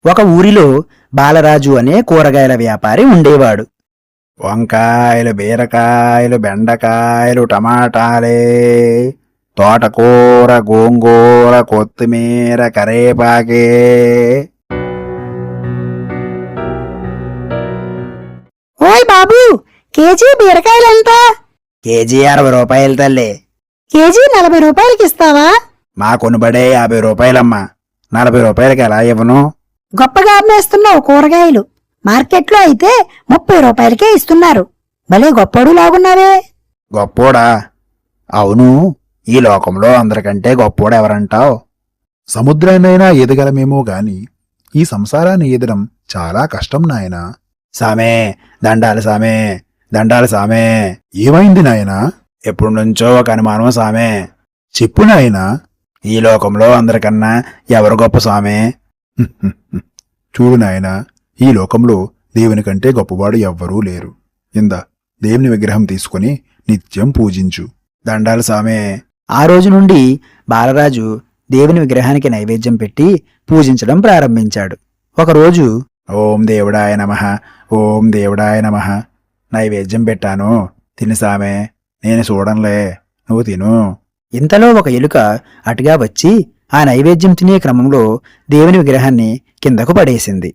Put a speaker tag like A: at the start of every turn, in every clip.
A: ఒక ఊరిలో బాలరాజు అనే కూరగాయల వ్యాపారి ఉండేవాడు.
B: వంకాయలు, బీరకాయలు, బెండకాయలు, టమాటాలే, తోటకూర, గోంగూర, కొత్తిమీర, కరేపాకే.
C: ఓయ్ బాబూ, కేజీ బీరకాయలెంత?
B: కేజీ 60 రూపాయలు తల్లి.
C: కేజీ 40 రూపాయలకి ఇస్తావా?
B: మా కొనుబడే 50 రూపాయలమ్మా. 40 రూపాయలకి ఎలా ఇవ్వను?
C: గొప్పగా అమ్మేస్తున్నావు కూరగాయలు. మార్కెట్లో అయితే 30 రూపాయలకే ఇస్తున్నారు. భలే గొప్పడు లాగున్నావే.
B: గొప్పోడా? అవును, ఈ లోకంలో అందరికంటే గొప్పోడెవరంటావు?
D: సముద్రాన్నైనా ఈదగలమేమో గాని ఈ సంసారాన్ని ఈదడం చాలా కష్టం నాయనా.
B: సామే, దండాలు సామే, దండాలు సామే.
D: ఏమైంది నాయనా?
B: ఎప్పుడు నుంచో ఒక అనుమానం సామే.
D: చెప్పు నాయనా.
B: ఈ లోకంలో అందరికన్నా ఎవరు గొప్ప సామే?
D: చూడు నాయనా, ఈ లోకంలో దేవుని కంటే గొప్పవాడు ఎవ్వరూ లేరు. ఇందా దేవుని విగ్రహం తీసుకుని నిత్యం పూజించు.
B: దండాలు సామే.
A: ఆ రోజు నుండి బాలరాజు దేవుని విగ్రహానికి నైవేద్యం పెట్టి పూజించడం ప్రారంభించాడు. ఒకరోజు,
B: ఓం దేవుడాయ నమః, ఓం దేవుడాయ నమః. నైవేద్యం పెట్టాను, తిను సామే. నేను చూడంలే, నువ్వు తిను.
A: ఇంతలో ఒక ఎలుక అటుగా వచ్చి ఆ నైవేద్యం తినే క్రమంలో దేవుని విగ్రహాన్ని కిందకు పడేసింది.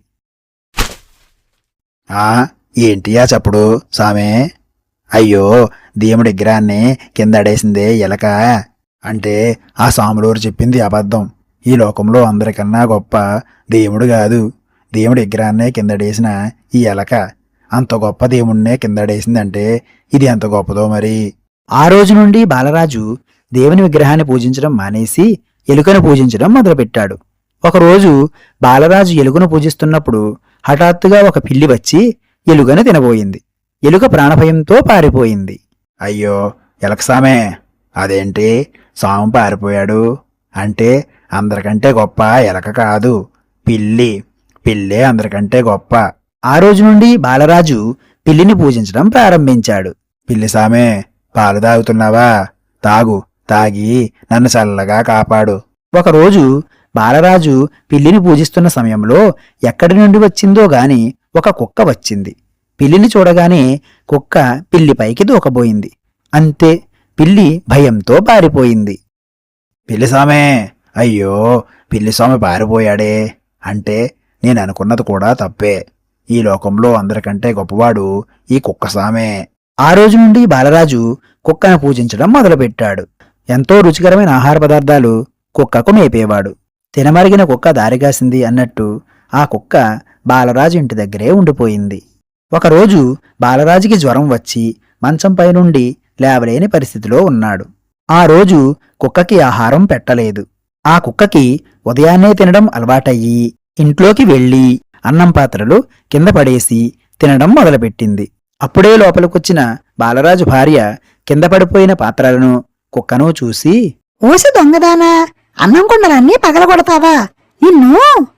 B: ఆ ఏంటియా చప్పుడు సామే? అయ్యో, దేవుడి విగ్రహాన్ని కింద అడేసిందే ఎలక. అంటే ఆ సాములూరు చెప్పింది అబద్ధం. ఈ లోకంలో అందరికన్నా గొప్ప దేవుడు కాదు, దేవుడి విగ్రహాన్నే కిందడేసిన ఈ ఎలక. అంత గొప్ప దేవుణ్ణే కిందడేసిందంటే ఇది ఎంత గొప్పదో మరి.
A: ఆ రోజు నుండి బాలరాజు దేవుని విగ్రహాన్ని పూజించడం మానేసి ఎలుకను పూజించడం మొదలుపెట్టాడు. ఒకరోజు బాలరాజు ఎలుకను పూజిస్తున్నప్పుడు హఠాత్తుగా ఒక పిల్లి వచ్చి ఎలుకను తినబోయింది. ఎలుక ప్రాణభయంతో పారిపోయింది.
B: అయ్యో ఎలక సామే, అదేంటి సాము పారిపోయాడు? అంటే అందరికంటే గొప్ప ఎలక కాదు, పిల్లి. పిల్లే అందరికంటే గొప్ప.
A: ఆ రోజు నుండి బాలరాజు పిల్లిని పూజించడం ప్రారంభించాడు.
B: పిల్లి సామే, పాలు తాగుతున్నావా? తాగు, తాగి నన్ను చల్లగా కాపాడు.
A: ఒకరోజు బాలరాజు పిల్లిని పూజిస్తున్న సమయంలో ఎక్కడి నుండి వచ్చిందో గాని ఒక కుక్క వచ్చింది. పిల్లిని చూడగానే కుక్క పిల్లిపైకి దూకబోయింది. అంతే, పిల్లి భయంతో పారిపోయింది.
B: పిల్లి సామే, అయ్యో పిల్లి స్వామి పారిపోయాడే. అంటే నేను అనుకున్నది కూడా తప్పే. ఈ లోకంలో అందరికంటే గొప్పవాడు ఈ కుక్క సామే.
A: ఆ రోజు నుండి బాలరాజు కుక్కను పూజించడం మొదలుపెట్టాడు. ఎంతో రుచికరమైన ఆహార పదార్థాలు కుక్కకు మేపేవాడు. తినమరిగిన కుక్క దారిగాసింది అన్నట్టు ఆ కుక్క బాలరాజు ఇంటి దగ్గరే ఉండిపోయింది. ఒకరోజు బాలరాజుకి జ్వరం వచ్చి మంచంపై నుండి లేవలేని పరిస్థితిలో ఉన్నాడు. ఆ రోజు కుక్కకి ఆహారం పెట్టలేదు. ఆ కుక్కకి ఉదయాన్నే తినడం అలవాటయ్యి ఇంట్లోకి వెళ్ళి అన్నం పాత్రలు కింద పడేసి తినడం మొదలుపెట్టింది. అప్పుడే లోపలికొచ్చిన బాలరాజు భార్య కింద పడిపోయిన పాత్రలను, కుక్కను చూసి,
C: ఓసి దొంగదానా, అన్నం కుండలన్నీ పగలగొడతావా నిన్ను?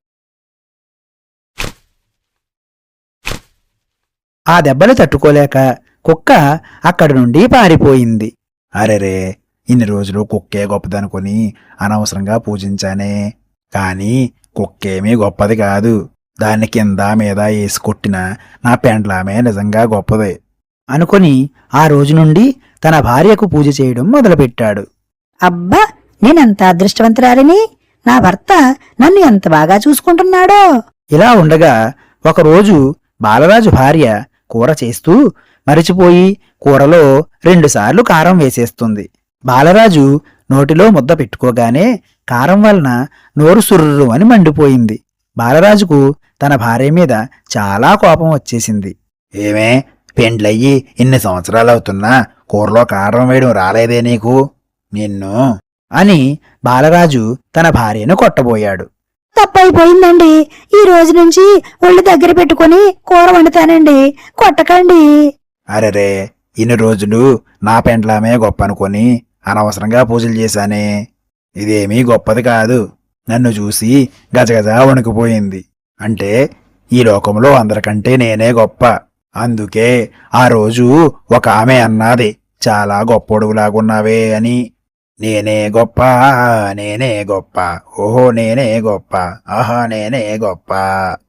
A: ఆ దెబ్బలు తట్టుకోలేక కుక్క అక్కడి నుండి పారిపోయింది.
B: అరెరే, ఇన్ని రోజులు కుక్కే గొప్పదనుకుని అనవసరంగా పూజించానే. కాని కుక్కేమీ గొప్పది కాదు. దాన్ని కింద మీద వేసి కొట్టిన నా పెండ్లామే నిజంగా గొప్పది
A: అనుకొని ఆ రోజు నుండి తన భార్యకు పూజ చేయడం మొదలుపెట్టాడు.
C: అబ్బా, నేనెంత అదృష్టవంతురాలిని. నా భర్త నన్ను ఎంత బాగా చూసుకుంటున్నాడో.
A: ఇలా ఉండగా ఒకరోజు బాలరాజు భార్య కూర చేస్తూ మరిచిపోయి కూరలో 2 సార్లు కారం వేసేస్తుంది. బాలరాజు నోటిలో ముద్ద పెట్టుకోగానే కారం వలన నోరు సుర్రు అని మండిపోయింది. బాలరాజుకు తన భార్య మీద చాలా కోపం వచ్చేసింది.
B: ఏమే, పెండ్లయ్యి ఇన్ని సంవత్సరాలవుతున్నా కూరలో కారం వేయడం రాలేదే నీకు? నిన్ను
A: అని బాలరాజు తన భార్యను కొట్టబోయాడు.
C: తప్పైపోయిందండి. ఈ రోజు నుంచి ఒళ్ళు దగ్గర పెట్టుకుని కూర వండుతానండి, కొట్టకండి.
B: అరెరే, ఇన్ని రోజులు నా పెండ్లామే గొప్ప అనుకొని అనవసరంగా పూజలు చేశానే. ఇదేమీ గొప్పది కాదు. నన్ను చూసి గజగజ వణికిపోయింది. అంటే ఈ లోకంలో అందరికంటే నేనే గొప్ప. అందుకే ఆ రోజు ఒక ఆమె అన్నది, చాలా గొప్పోడుగులాగున్నావే అని. నేనే గొప్ప, నేనే గొప్ప, ఓహో నేనే గొప్ప, ఆహా నేనే గొప్ప.